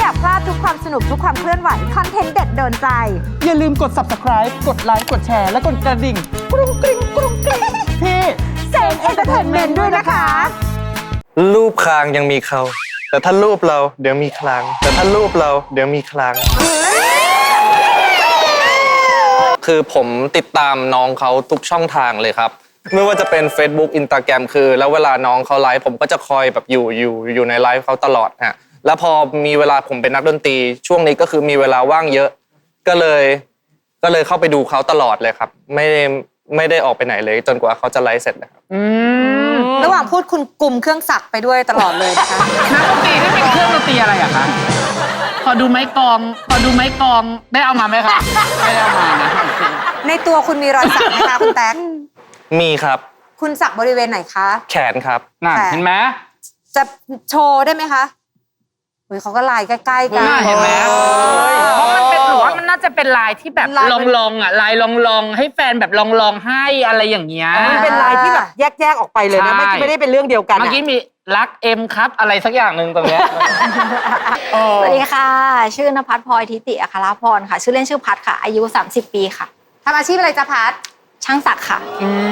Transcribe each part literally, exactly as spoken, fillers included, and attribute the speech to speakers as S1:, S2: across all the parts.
S1: อยากพลาดทุกความสนุกทุกความเคลื่อนไหวคอนเทนต์เด็ดโดนใจ
S2: อย่าลืมกด ซับสไครบ์ กดไลค์กดแชร์และกดกระดิ่งกรุ้งกริ้งกรุ้งกริ้งที่
S1: เซนเอนเตอร์เทนเมนต์ด้วยนะคะ
S3: รูปคางยังมีเขาแต่ถ้ารูปเราเดี๋ยวมีคลางแต่ถ้ารูปเราเดี๋ยวมีคลางคือผมติดตามน้องเขาทุกช่องทางเลยครับไม่ว่าจะเป็น Facebook Instagram คือแล้วเวลาน้องเขาไลฟ์ผมก็จะคอยแบบอยู่อยู่อยู่ในไลฟ์เขาตลอดฮะแล้วพอมีเวลาผมเป็นนักดนตรีช่วงนี้ก็คือมีเวลาว่างเยอะก็เลยก็เลยเข้าไปดูเขาตลอดเลยครับไม่ได้ไม่ได้ออกไปไหนเลยจนกว่าเขาจะไลฟ์เสร็จนะครับ
S1: ระหว่างพูดคุณกลุ่มเครื่องจักรไปด้วยตลอดเลยนะคะ
S2: นักดนตรีที่เป็นเครื่องดนตรีอะไรอะคะขอดูไม้กลองขอดูไม้กลองได้เอามาไหมคะไม่ได้เอามานะ
S1: ในตัวคุณมีรอยสักไหมคะคุณแต๊ก
S3: มีครับ
S1: คุณสักบริเวณไหนคะ
S3: แขนครับ
S2: น่ะเห็นไหม
S1: จะโชว์ได้ไหมคะเฮ้ยเขาก็ลายใกล้ๆกัน
S2: เห็นไหมเพราะมันเป็นหรือว่ามันน่าจะเป็นลายที่แบบลองๆอ่ะลายลองๆให้แฟนแบบลองๆให้อะไรอย่างเงี้ย
S4: มันเป็นลายที่แบบแยกๆออกไปเลยนะไม่ไม่ได้เป็นเรื่องเดียวกัน
S2: เมื่อกี้มีรักเอ็มครับอะไรสักอย่างหนึ่งตรงเนี้ย
S5: สวัสดีค่ะชื่อนภัสพลอยทิติอัครพรค่ะชื่อเล่นชื่อพัดค่ะอายุสามสิบปีค่ะ
S1: ทำอาชีพอะไรจ๊ะพัด
S5: ช่างศักดิ์ค่ะ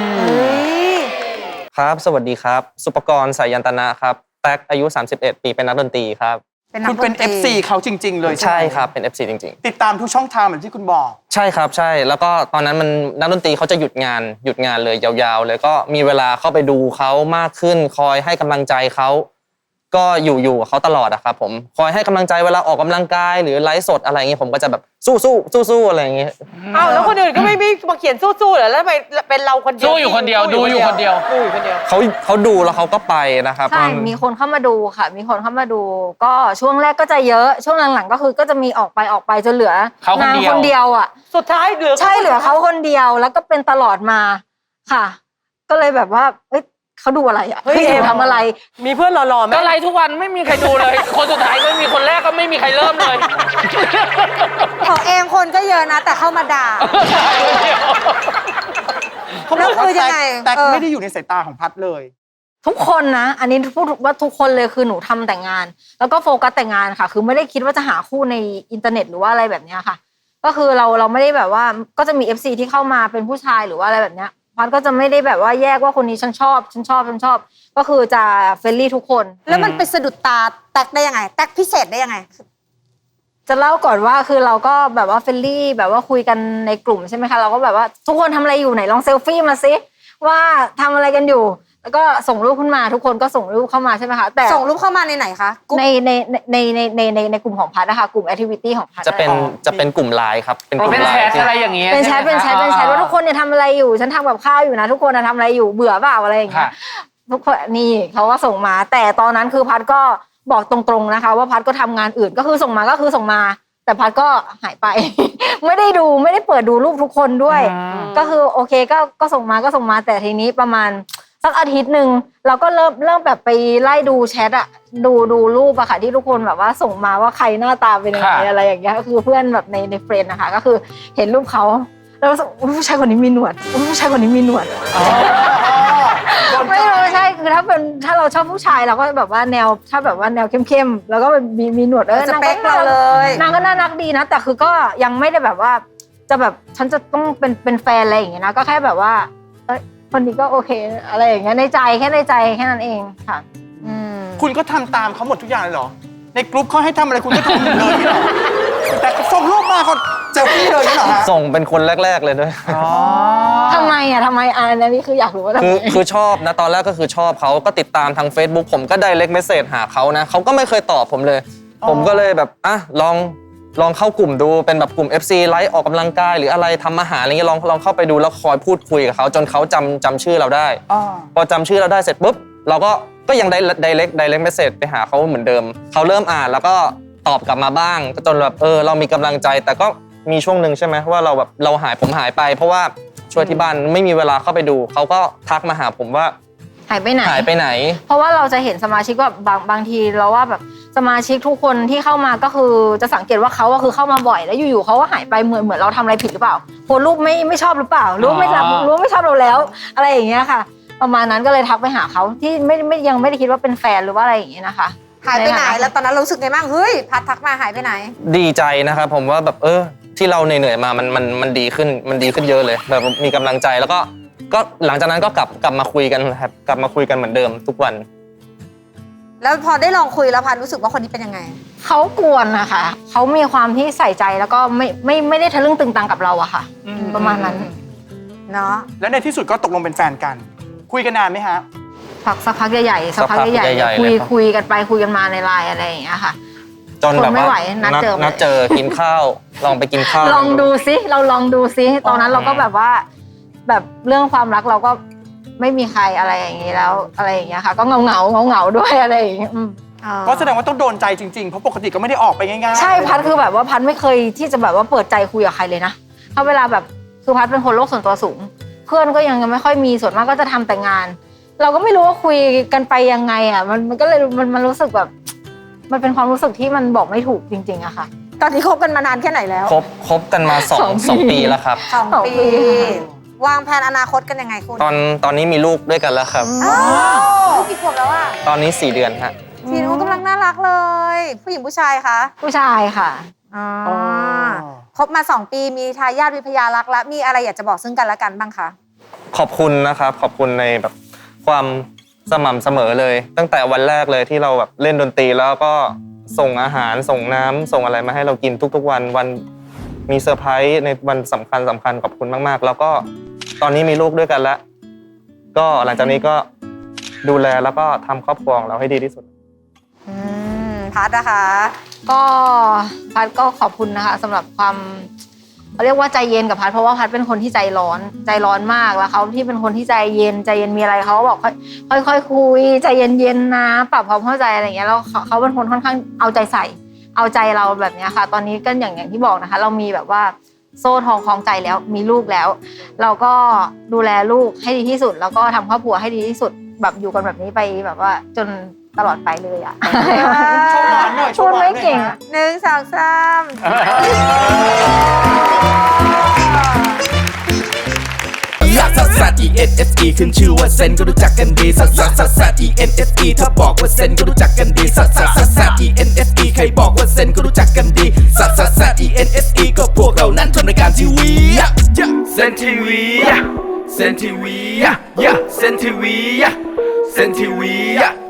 S3: ครับสวัสดีครับสุปกรณ์สายันตนะครับแต๊กอายุสามสิบเอ็ดปีเป็นนักดนตรีครับ
S4: คุณเป็น เอฟ ซี เขาจริงๆเลย
S3: ใช่ครับเป็น เอฟ ซี จริง
S4: ๆติดตามทุกช่องทางเหมือนที่คุณบอก
S3: ใช่ครับใช่แล้วก็ตอนนั้นมันนักดนตรีเขาจะหยุดงานหยุดงานเลยยาวๆเลยก็มีเวลาเข้าไปดูเขามากขึ้นคอยให้กำลังใจเขาก็อยู่อยู่กับเขาตลอดอะครับผมคอยให้กำลังใจเวลาออกกำลังกายหรือไลฟ์สดอะไรอย่างเงี้ยผมก็จะแบบสู้สู้สู้สู้อะไรอย่างเงี้ย
S4: อ้าวแล้วคนอื่นก็ไม่ไม่มาเขียนสู้สู้เหรอแล้วทำไมเป็นเราคนเดียว
S2: สู้อยู่คนเดียวดูอยู่คนเดียว
S4: ดูอยู่คนเดียว
S3: เขาเขาดูแล้วเขาก็ไปนะครับ
S5: ใช่มีคนเข้ามาดูค่ะมีคนเข้ามาดูก็ช่วงแรกก็จะเยอะช่วงหลังๆก็คือก็จะมีออกไปออกไปจนเหลือนางคนเดียวอ่ะ
S4: สุดท้ายเหลือ
S5: ใช่เหลือเขาคนเดียวแล้วก็เป็นตลอดมาค่ะก็เลยแบบว่าเอ้ยเขาดูอะไรอ่ะเฮ้ยทำอะไร
S4: มีเพื่อนรอๆไหม
S2: ก็ไลฟ์ทุกวันไม่มีใครดูเลยคนสุดท้ายก็มีคนแรกก็ไม่มีใครเริ่มเลย
S1: ของเองคนก็เยอะนะแต่เข้ามาด่า
S4: แล้วคือยังไงแต่ไม่ได้อยู่ในสายตาของพัดเลย
S5: ทุกคนนะอันนี้พูดว่าทุกคนเลยคือหนูทำแต่งงานแล้วก็โฟกัสแต่งงานค่ะคือไม่ได้คิดว่าจะหาคู่ในอินเทอร์เน็ตหรือว่าอะไรแบบนี้ค่ะก็คือเราเราไม่ได้แบบว่าก็จะมี เอฟ ซี ที่เข้ามาเป็นผู้ชายหรือว่าอะไรแบบเนี้ยพัดก็จะไม่ได้แบบว่าแยกว่าคนนี้ฉันชอบฉันชอบฉันชอบก็คือจะเฟรนลี่ทุกคน
S1: แล้วมันไปสะดุดตาแตกได้ยังไงแตกพิเศษได้ยังไง
S5: จะเล่าก่อนว่าคือเราก็แบบว่าเฟรนลี่แบบว่าคุยกันในกลุ่มใช่ไหมคะเราก็แบบว่าทุกคนทำอะไรอยู่ไหนลองเซลฟี่มาซิว่าทำอะไรกันอยู่แล้วก็ส่งรูปขึ้นมาทุกคนก็ส่งรูปเข้ามาใช่ไหมคะ
S1: แต่ส่งรูปเข้ามาในไหนคะ
S5: ในในในในในในในกลุ่มของพัดนะคะกลุ่มแอคทิวิตี้ของพัด
S3: จะเป็นจะเป็นกลุ่มไลน์ครับ
S2: เป็นกลุ่มไลน์อะไรอย่างเงี้ย
S5: เป็นแชทเป็นแชทเป็นแชทว่าทุกคนเนี่ยทำอะไรอยู่ฉันทำกับข้าวอยู่นะทุกคนทำอะไรอยู่เบื่อเปล่าอะไรอย่างเงี้ยทุกคนนี่เขาก็ส่งมาแต่ตอนนั้นคือพัดก็บอกตรงๆนะคะว่าพัดก็ทำงานอื่นก็คือส่งมาก็คือส่งมาแต่พัดก็หายไป ไม่ได้ดูไม่ได้เปิดดูรูปทุกคนด้วยก็คือโอเคก็ก็ส่งมาก็ส่งมาแต่ทีนี้ประมาณสักอาทิตย์หนึ่งเราก็เริ่มเริ่มแบบไปไล่ดูแชทอะดูดูรูปอะค่ะที่ทุกคนแบบว่าส่งมาว่าใครหน้าตาเป็นยังไงอะไรอย่างเงี้ยก็คือเพื่อนแบบในในเฟรนด์นะคะก็คือเห็นรูปเขาแล้วรู้สึกผู้ชายคนนี้มีหนวดผู้ชายคนนี้มีหนวดไม่รู้ใช่คือถ้าเป็นถ้าเราชอบผู้ชายเราก็แบบว่าแนวถ้าแบบว่าแนวเข้มๆแล้วก็มีมีหนวดเออ
S1: สเปคเราเลย
S5: นางก็น่ารักดีนะแต่คือก็ยังไม่ได้แบบว่าจะแบบฉันจะต้องเป็นเป็นแฟนอะไรอย่างเงี้ยนะก็แค่แบบว่าคนนี้ก็โอเคอะไรอย่างเงี้ยในใจแค่ในใจแค่นั้นเองค่ะ
S4: คุณก็ทำตามเขาหมดทุกอย่างเลยเหรอในกลุ่มเขาให้ทำอะไรคุณก็ทำเลยเหรอแต่ส่งรูปมาเขาเจอพี่เลยเหรอฮะ
S3: ส่งเป็นคนแรกๆเลยด้วย
S5: ทำไมอ่ะทำไมอันนี้คืออยากรู้ว่า
S3: คือคือชอบนะตอนแรกก็คือชอบเขาก็ติดตามทาง Facebook ผมก็ไดเรกเมสเสจหาเขานะเขาก็ไม่เคยตอบผมเลยผมก็เลยแบบอ่ะลองลองเข้ากลุ่มดูเป็นแบบกลุ่ม เอฟ ซี ไลฟ์ออกกำลังกายหรืออะไรทำอาหารอะไรเงี้ยลองลองเข้าไปดูแล้วคอยพูดคุยกับเขาจนเขาจำจำชื่อเราได้พอจำชื่อเราได้เสร็จปุ๊บเราก็ก็ยังได้ไดเรกไดเรกเมสเสจไปหาเขาเหมือนเดิมเขาเริ่มอ่านแล้วก็ตอบกลับมาบ้างจนแบบเออเรามีกำลังใจแต่ก็มีช่วงหนึ่งใช่ไหมว่าเราแบบเราหายผมหายไปเพราะว่าช่วยที่บ้านไม่มีเวลาเข้าไปดูเขาก็ทักมาหาผมว่า
S5: หายไปไหน
S3: หายไปไหน
S5: เพราะว่าเราจะเห็นสมาชิกว่าบางบางทีเราว่าแบบสมาชิกทุกคนที่เข้ามาก็คือจะสังเกตว่าเขาก็คือเข้ามาบ่อยแล้วอยู่ๆเขาก็หายไปเหมือนเหมือนเราทำอะไรผิดหรือเปล่าโพสรูปไม่ไม่ชอบหรือเปล่ารู้ไม่รับรู้ไม่ชอบเราแล้วอะไรอย่างเงี้ยค่ะประมาณนั้นก็เลยทักไปหาเขาที่ไม่ไม่ยังไม่ได้คิดว่าเป็นแฟนหรือว่าอะไรอย่างเงี้ยนะคะ
S1: หายไปไหนแล้วตอนนั้นเรารู้สึกไงบ้างเฮ้ยพัดทักมาหายไปไหน
S3: ดีใจนะครับผมว่าแบบเออที่เราเหนื่อยๆมามันมันมันดีขึ้นมันดีขึ้นเยอะเลยแบบมีกำลังใจแล้วก็ก็หลังจากนั้นก็กลับกลับมาคุยกันครับกลับมาคุยกันเหมือนเดิมทุกวัน
S1: แล้วพอได้ลองคุยแล้วพัดรู้สึกว่าคนนี้เป็นยังไง
S5: เขากวนนะคะเขามีความที่ใส่ใจแล้วก็ไม่ไม่ไม่ได้ทะลึ่งตึงตังกับเราอะค่ะ
S4: อืม
S5: ประมาณนั้น
S1: เนาะ
S4: แล้วในที่สุดก็ตกลงเป็นแฟนกัน คุยกันนานไหมฮะ
S5: พักสักพักใหญ่ๆสักพัก
S3: สักพัก
S5: ใหญ่
S3: ใหญ่ๆ
S5: ๆคุย
S3: เลยครับ
S5: คุยกันไปคุยกันมาในไลน์อะไรอย่างเงี้ยค่ะ
S3: จนแบบ
S5: ทนไม่
S3: ว่า
S5: ไหวนัดเจอเลย
S3: นัดเจอกินข้าวลองไปกินข้าว
S5: ลองดูซิเราลองดูซิตอนนั้นเราก็แบบว่า แบบเรื่องความรักเราก็ไม่มีใครอะไรอย่างงี้แล้วอะไรอย่างเงี้ยค่ะ ก็เงาเงาเงาเงาๆด้วยอะไรอย่างเงี้ยอืม
S4: ก็แสดงว่าต้องโดนใจจริงๆ เพราะปกติก็ไม่ได้ออกไปง่ายๆ
S5: ใช่พัดคือแบบว่าพัดไม่เคยที่จะแบบว่าเปิดใจคุยกับใครเลยนะเพราะเวลาแบบคือพัดเป็นคนโลกส่วนตัวสูง เพื่อนก็ยังไม่ค่อยมีส่วนมากก็จะทำแต่งาน เราก็ไม่รู้ว่าคุยกันไปยังไงอ่ะมันมันก็เลยมันมันรู้สึกแบบ มันเป็นความรู้สึกที่มันบอกไม่ถูกจริงๆอะค่ะ
S1: ตอนนี้คบกันมานานแค่ไหนแล้ว
S3: คบคบกันมาสอง
S5: สองปี
S3: สองปีแล้วครับ
S1: สอง
S5: สอง
S1: ปี
S5: ปี
S1: วางแผนอนาคตกันยังไงคุณ
S3: ตอนตอนนี้มีลูกด้วยกันแล้วครับ
S1: อ้าวลูกกี่ขวบแล้วอ่ะ
S3: ตอนนี้สี่เดือนฮะ
S1: ทีนู้นกำลังน่ารักเลย ผู้หญิงผู้ชายคะ
S5: ผู้ชายค่ะ
S1: อ๋อ
S4: อ๋อ
S1: คบมาสองปีมีทายาทวิพยารักแล้วมีอะไรอยากจะบอกซึ่งกันและกันบ้างคะ
S3: ขอบคุณนะครับ ขอบคุณในแบบความสม่ำเสมอเลย ตั้งแต่วันแรกเลยที่เราแบบเล่นดนตรีแล้วก็ส่งอาหารส่งน้ำส่งอะไรมาให้เรากินทุกๆวันวันมีเซอร์ไพรส์ในวันสำคัญสำคัญขอบคุณมากๆ แล้วก็ตอนนี้มีลูกด้วยกันแล้ว ก็หลังจากนี้ก็ดูแลแล้วก็ทำครอบครัวของเราให้ดีที่สุด
S1: อืมพัดนะคะ
S5: ก็พัดก็ขอบคุณนะคะสำหรับความเขาเรียกว่าใจเย็นกับพัดเพราะว่าพัดเป็นคนที่ใจร้อนใจร้อนมากแล้วเขาที่เป็นคนที่ใจเย็นใจเย็นมีอะไรเขาก็บอกค่อยค่อยๆคุยใจเย็นๆนะปรับความเข้าใจอะไรอย่างเงี้ยแล้วเขาเขาเป็นคนค่อนข้างเอาใจใส่เอาใจเราแบบเนี้ยค่ะ ตอนนี้ก็อย่างอย่างที่บอกนะคะ เรามีแบบว่าโซ่ทองคล้องใจแล้วมีลูกแล้ว เราก็ดูแลลูกให้ดีที่สุด แล้วก็ทำครอบครัวให้ดีที่สุดแบบอยู่กันแบบนี้ไปแบบว่าจนตลอดไปเลยอะ
S4: โชว์หวานหน่อยโช
S5: พู
S4: ว์
S5: ด
S4: หวานหน่
S5: ไม่
S4: อย
S5: เก่ง
S4: ฮะ
S1: หนึ่งสองสาม
S6: ลักซัสซัส E N S E ขึ้นชื่อว่าเซนก็รู้จักกันดีซัสซัสซัสซัส E N S E ถ้าบอกว่าเซนก็รู้จักกันดีซัสซัสซัสซัส E N S E ใครบอกว่าเซนก็รู้จักกันดีซัสซัสซัส E N S E ก็พวกเรานั้นทำรายการทีวีเซนทีวีเซนทีวีเซนทีวีเซนทีวี